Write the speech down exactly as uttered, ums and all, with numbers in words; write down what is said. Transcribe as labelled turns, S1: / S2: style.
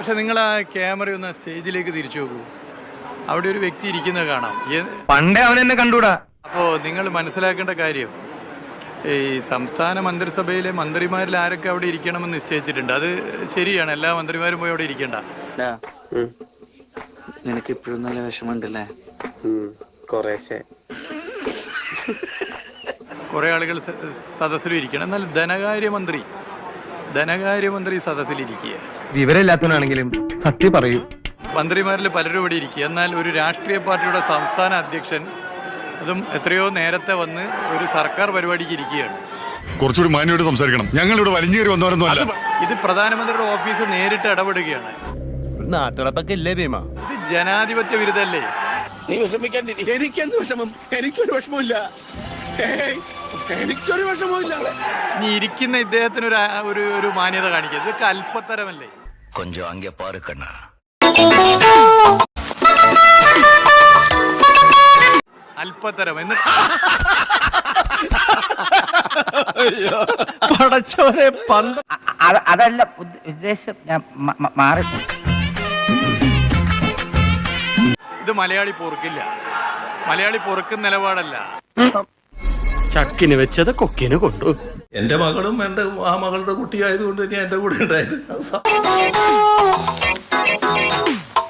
S1: പക്ഷെ നിങ്ങൾ ആ ക്യാമറ ഒന്ന് സ്റ്റേജിലേക്ക് തിരിച്ചു നോക്കൂ. അവിടെ ഒരു വ്യക്തി ഇരിക്കുന്നത് കാണാം.
S2: പണ്ടേ അവൻ എന്നെ കണ്ടൂടാ.
S1: അപ്പോൾ നിങ്ങൾ മനസ്സിലാക്കേണ്ട കാര്യം, ഈ സംസ്ഥാന മന്ത്രിസഭയിലെ മന്ത്രിമാരിൽ ആരൊക്കെ അവിടെ ഇരിക്കണമെന്ന് നിശ്ചയിച്ചിട്ടുണ്ട്. അത് ശരിയാണ്, എല്ലാ മന്ത്രിമാരും പോയി അവിടെ ഇരിക്കണ്ട.
S3: നിനക്ക് ഇപ്പോഴും നല്ല വിഷമമുണ്ടല്ലേ?
S1: കുറേ ആളുകൾ സദസ്സിലും ഇരിക്കണം. എന്നാൽ ധനകാര്യമന്ത്രി ധനകാര്യമന്ത്രി സദസ്സിലിരിക്കുക.
S2: വിവരമില്ലാത്തവനാണെങ്കിലും സത്യം പറയൂ.
S1: മന്ത്രിമാരിൽ പലരും ഇവിടെ ഇരിക്കുക. എന്നാൽ ഒരു രാഷ്ട്രീയ പാർട്ടിയുടെ സംസ്ഥാന അധ്യക്ഷൻ, അതും എത്രയോ നേരത്തെ വന്ന് ഒരു സർക്കാർ പരിപാടിക്ക് ഇരിക്കുകയാണ്.
S4: കുറച്ചുകൂടി മാന്യമായിട്ട് സംസാരിക്കണം. ഞങ്ങൾ ഇവിടെ വലിഞ്ഞു കയറി വന്നവരൊന്നും അല്ല.
S1: ഇത് പ്രധാനമന്ത്രിയുടെ ഓഫീസ് നേരിട്ട് ഇടപെടുകയാണ്.
S2: നാട്ടിളപ്പൊക്കെ ഇല്ലേ ഭീമ?
S1: ഇത് ജനാധിപത്യ വിരുദ്ധല്ലേ?
S5: നീ വിഷമിക്കാൻ എനിക്കെന്ത് വിഷമം? എനിക്കൊരു വിഷമമില്ല, എനിക്കൊരു വിഷമമില്ല.
S1: ഇനി ഇരിക്കുന്ന ഇദ്ദേഹത്തിന് ഒരു ഒരു ഒരു മാന്യത കാണിക്കുക. ഇതൊക്കെ അല്പത്തരമല്ലേ?
S3: കൊഞ്ചം അങ്ക പാറുക്കണ്ണ.
S1: അല്പത്തരം എന്ന്
S6: അതല്ല ഉദ്ദേശം, ഞാൻ മാറി.
S1: ഇത് മലയാളി പൊറുക്കില്ല. മലയാളി പൊറുക്കുന്ന നിലപാടല്ല.
S7: ചക്കിന് വെച്ചത് കൊക്കിന് കൊണ്ടു.
S8: എന്റെ മകളും എന്റെ ആ മകളുടെ കുട്ടിയായതുകൊണ്ട് ഞാൻ എന്റെ കൂടെ ഉണ്ടായത്.